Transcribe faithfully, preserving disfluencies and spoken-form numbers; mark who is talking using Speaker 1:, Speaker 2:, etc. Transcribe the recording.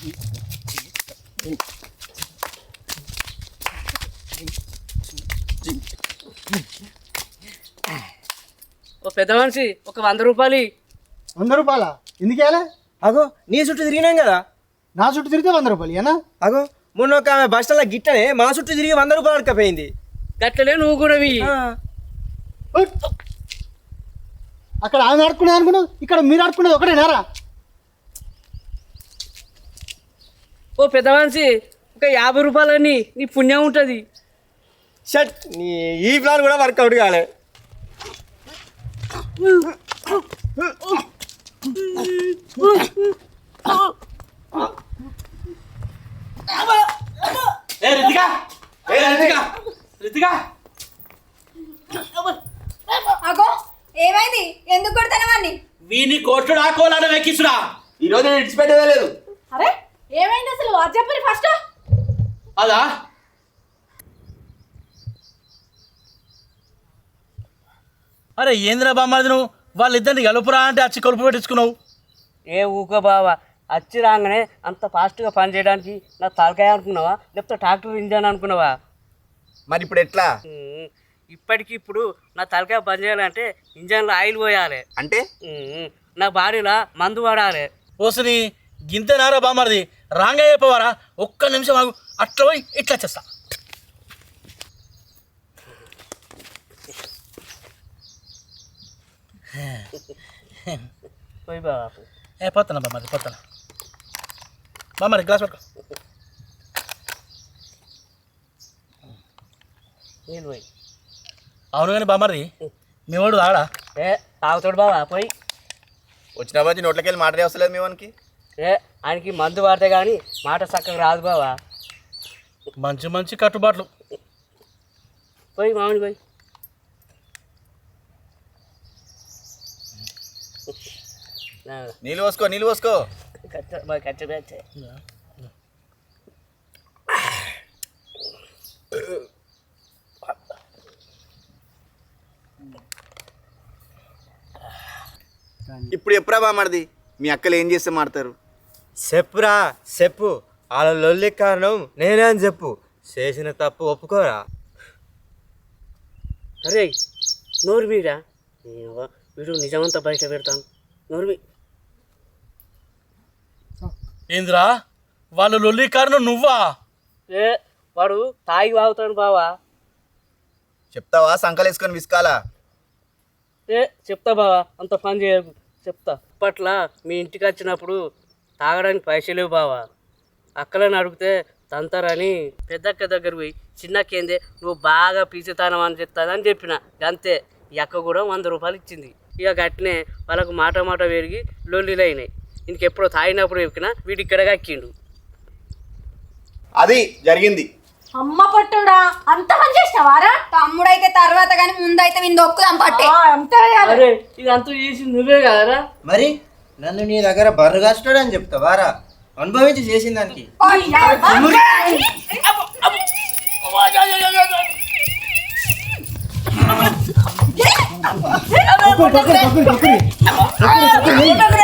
Speaker 1: ఓ పెద్ద మనిషి ఒక వంద రూపాయలు.
Speaker 2: వంద రూపాయల ఎందుకేలా?
Speaker 3: అగో నీ చుట్టూ తిరిగినాం కదా.
Speaker 2: నా చుట్టూ తిరిగితే వంద రూపాయలు ఏనా?
Speaker 3: అగో మొన్న ఒక ఆమె బస్ స్టాండ్లో గిట్టనే మా చుట్టూ తిరిగి వంద రూపాయలు అడకపోయింది.
Speaker 1: గట్లనే నువ్వు కూడా
Speaker 2: అక్కడ ఆమె ఆడుకునేది అనుకున్నావు, ఇక్కడ మీరు ఆడుకునేది ఒకటేనారా?
Speaker 1: ఓ పెద్ద మనిషి ఒక యాభై రూపాయలని నీ పుణ్యం ఉంటుంది.
Speaker 3: షట్ నీ ఈ ప్లాన్ కూడా వర్కౌట్ కాలే.
Speaker 4: అగో ఏమైంది? ఎందుకు కొడతాను వాడిని?
Speaker 5: వీని కొట్టుడా కోలాడ వెక్కిసుడా ఈరోజు నేను ఇడిచిపెట్టేదే లేదు.
Speaker 4: అరే ఏమైంది అసలు? అది చెప్పండి ఫస్ట్.
Speaker 5: అదా అరే ఏంద్రా బామ్మది నువ్వు వాళ్ళిద్దరిని కలుపురా అంటే అచ్చి కలుపు పెట్టించుకున్నావు.
Speaker 1: ఏ ఊకో బావా, వచ్చి రాగానే అంత ఫాస్ట్గా పని చేయడానికి నా తలకాయ అనుకున్నావా, లేకపోతే ట్రాక్టర్ ఇంజన్ అనుకున్నావా?
Speaker 5: మరి ఇప్పుడు ఎట్లా
Speaker 1: ఉమ్, ఇప్పటికి ఇప్పుడు నా తలకాయ పని చేయాలంటే ఇంజన్లో ఆయిల్ పోయాలి
Speaker 5: అంటే
Speaker 1: ఉమ్, నా బాడీలో మందు పడాలి.
Speaker 5: ఓసని గింతేనారా బామ్మది రాంగా అయిపోవారా? ఒక్క నిమిషం ఆగు, అట్లా పోయి ఇట్లా చేస్తా.
Speaker 1: పోయి బావా
Speaker 5: ఏ పోతానా బామ్మది పోతానా. బామ్మది గ్లాస్ పట్టుకో.
Speaker 1: నీళ్ళు పోయి.
Speaker 5: అవును కానీ బామ్మది మీ వాడు ఆడా
Speaker 1: ఏ తాగుతాడు బావా పోయి.
Speaker 5: వచ్చిన బట్టి నోట్లకి వెళ్ళి మాటనే వస్తలేదు మీ వానికి.
Speaker 1: ఏ ఆయనకి మందు పడితే కానీ మాట చక్కగా రాదు బావా.
Speaker 5: మంచి మంచి కట్టుబాట్లు.
Speaker 1: పోయి మామిడి పోయి.
Speaker 5: నీళ్ళు పోసుకో నీళ్ళు పోసుకో.
Speaker 1: కచ్చ బాగా కచ్చ కచ్చ.
Speaker 6: ఇప్పుడు ఎప్పుడా బామర్ది మీ అక్కలు ఏం చేస్తే మాడతారు?
Speaker 3: చెప్పురా చెప్పు. వాళ్ళ లొల్లి కారణం నేనే అని చెప్పు. చేసిన తప్పు ఒప్పుకోరా.
Speaker 1: అరే నోరు మీరా వీడు నిజమంతా బయట పెడతాను. నోరు మీ
Speaker 5: ఏంద్రా వాళ్ళు లొల్లి కారణం నువ్వా?
Speaker 1: ఏ వాడు తాగి వాగుతాడు బావా.
Speaker 6: చెప్తావా సంకలేసుకొని విసుకాలా?
Speaker 1: ఏ చెప్తా బావా, అంత పని చేయకు చెప్తా. అప్పట్లో మీ ఇంటికి వచ్చినప్పుడు తాగడానికి పైసలు లేవు బావా. అక్కలని అడిగితే తంతారని పెద్దక్క దగ్గర పోయి చిన్నక్కేందే నువ్వు బాగా పీచుతానం అని చెప్తాదని చెప్పిన. అంతే ఈ అక్క కూడా వంద రూపాయలు ఇచ్చింది. ఇక గట్టినే వాళ్ళకు మాట మాట పెరిగి లొల్లిలు అయినాయి. ఇంకెప్పుడో తాగినప్పుడు ఎక్కినా వీడి ఇక్కడ ఎక్కిండు.
Speaker 6: అది జరిగింది.
Speaker 4: అమ్మ పట్టుడా అంత పని చేసినవారా? తమ్ముడైతే తర్వాత కానీ ముందైతే విని దొక్కుదాం పట్టే.
Speaker 1: అరే ఇదంతా చేసి నువ్వే కదరా.
Speaker 3: మరి నన్ను నీ దగ్గర బర్రు కాస్తాడని చెప్తావారా? అనుభవించి చేసిన దానికి.
Speaker 2: పక్కన, పక్కన, పక్కన, పక్కన.